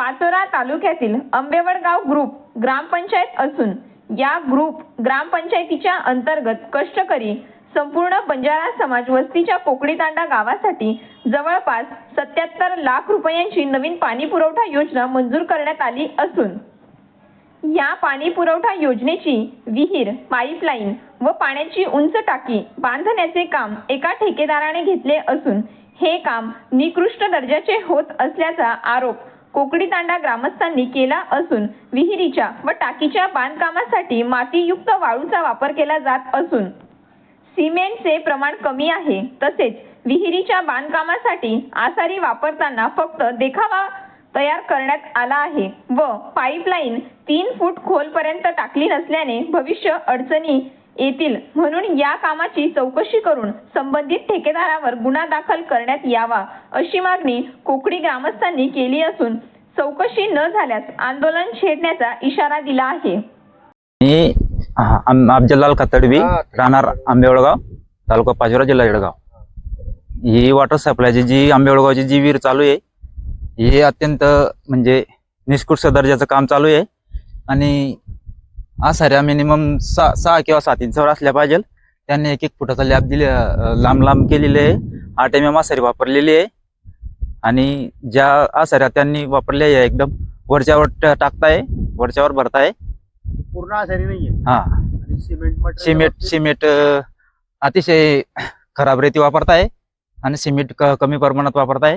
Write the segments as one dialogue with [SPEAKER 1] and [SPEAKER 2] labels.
[SPEAKER 1] पाचोरा तालुक्यातील आंबेवडगाव ग्रुप ग्रामपंचायत असून या ग्रुप ग्रामपंचायतीच्या अंतर्गत कष्टकरी संपूर्ण बंजारा समाज वस्तीच्या कोकडीतांडा गावासाठी जवळपास 77 लाख रुपयांची नवीन पाणी पुरवठा योजना मंजूर करण्यात आली असून या पाणी पुरवठा योजनेची विहीर, पाईपलाईन व पाण्याची उंच टाकी बांधण्याचे काम एका ठेकेदाराने घेतले असून हे काम निकृष्ट दर्जाचे होत असल्याचा आरोप कोकडीतांडा ग्रामस्थांनी केला असून विहिरीच्या व टाकीच्या बांधकामासाठी मातीयुक्त वाळूचा वापर केला जात असून सिमेंटचे प्रमाण कमी आहे। तसेच विहिरीच्या बांधकामासाठी आसारी वापरताना फक्त देखावा तयार करण्यात आला आहे व पाईपलाईन 3 फूट खोलपर्यंत टाकली नसल्याने भविष्य अडचणी येतील म्हणून या कामाची चौकशी करून संबंधित ठेकेदारावर गुन्हा दाखल करण्यात यावा अशी मागणी कोकडी ग्रामस्थांनी केली असून चौकशी न झाल्यास आंदोलन छेडण्याचा इशारा दिला आहे।
[SPEAKER 2] मी अफजललाल खतडवी, राहणार आंबेवडगाव, तालुका पाचोरा, जिल्हा जळगाव। ही वॉटर सप्लायची जी आंबेवडगावची जी विहीर चालू आहे हे अत्यंत म्हणजे निष्कृष्ट दर्जाचं काम चालू आहे आणि आसाऱ्या मिनिमम 6 किंवा 7 इंचावर असल्या पाहिजे। त्यांनी 1-1 फुटाचा लॅब दिले, लांब केलेले आहे। 8 mm आसारी वापरलेली आहे आणि ज्या आसाऱ्या त्यांनी वापरल्या आहे एकदम वरच्यावर टाकताय, वरच्यावर भरताय,
[SPEAKER 3] पूर्ण आसारी नाहीये।
[SPEAKER 2] हा, सिमेंट अतिशय खराब रेती वापरताय आणि सिमेंट कमी प्रमाणात वापरताय।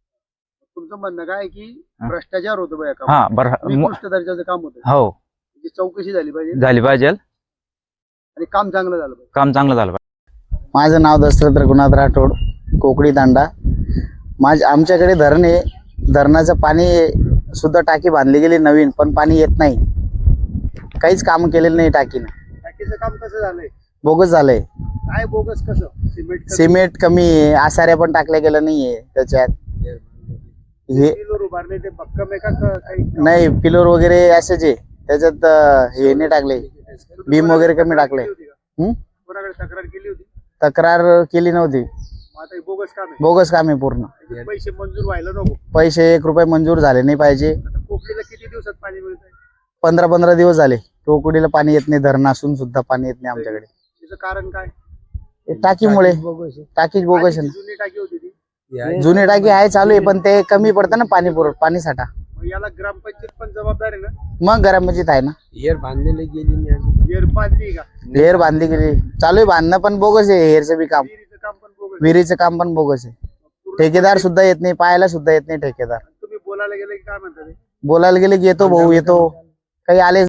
[SPEAKER 3] तुमचं म्हणणं काय की भ्रष्टाचार होतो बा काम?
[SPEAKER 2] हा,
[SPEAKER 3] निकृष्ट दर्जाचं काम होतं।
[SPEAKER 2] हो,
[SPEAKER 3] चौकशी झाली
[SPEAKER 2] पाहिजे
[SPEAKER 3] आणि काम चांगलं झालं
[SPEAKER 2] पाहिजे।
[SPEAKER 4] माझं नाव दशरथ रघुनाथ राठोड, कोकडीतांडा। आमच्याकडे धरण आहे, धरणाचं पाणी सुद्धा टाकी बांधली गेली नवीन, पण पाणी येत नाही, काहीच काम केलेलं नाही।
[SPEAKER 3] टाकीचं काम कसं झालंय?
[SPEAKER 4] बोगस झालंय।
[SPEAKER 3] काय बोगस? कसं?
[SPEAKER 4] सिमेंट कमी आहे, आसाऱ्या पण टाकल्या गेल्या नाहीये त्याच्यात। हे
[SPEAKER 3] उभारले ते भक्कम आहे का काही?
[SPEAKER 4] नाही, पिलोर वगैरे असेच आहे त्याच्यात, हे नाही टाकले, बीम वगैरे कमी टाकले।
[SPEAKER 3] कोणाकडे तक्रार केली होती?
[SPEAKER 4] तक्रार केली नव्हती।
[SPEAKER 3] आता हे बोगस काम आहे?
[SPEAKER 4] बोगस काम आहे पूर्ण।
[SPEAKER 3] पैसे मंजूर व्हायला नको?
[SPEAKER 4] पैसे 1 रुपये मंजूर झाले नाही पाहिजे।
[SPEAKER 3] कोकणीला किती दिवसात पाणी मिळतंय?
[SPEAKER 4] 15-15 दिवस झाले टोकडीला पाणी येत नाही, धरण असून सुद्धा पाणी येत नाही आमच्याकडे।
[SPEAKER 3] त्याचं कारण काय?
[SPEAKER 4] टाकीमुळे, टाकीच बोगस आहे
[SPEAKER 3] जुनी टाकी होती ती?
[SPEAKER 4] ना। जुनी टाकी आहे, चालू आहे, पण ते कमी पडतं ना पाणी साठा।
[SPEAKER 3] मग याला ग्रामपंचायत पण जबाबदार आहे ना?
[SPEAKER 4] मग ग्रामपंचायत आहे ना।
[SPEAKER 3] हेर बांधलेली गेली नाही? हेर बांधली का?
[SPEAKER 4] हेर बांधली गेली, चालू आहे बांधणं, पण बोगस आहे हेरचं बी काम।
[SPEAKER 3] विहिरीचं काम पण बोगस?
[SPEAKER 4] विहिरीचं काम पण बोगस आहे। ठेकेदार सुद्धा येत नाही, पाहायला सुद्धा येत नाही ठेकेदार।
[SPEAKER 3] तुम्ही बोलायला गेले की काय म्हणतात?
[SPEAKER 4] बोलायला गेले की येतो भाऊ, येतो, काही आले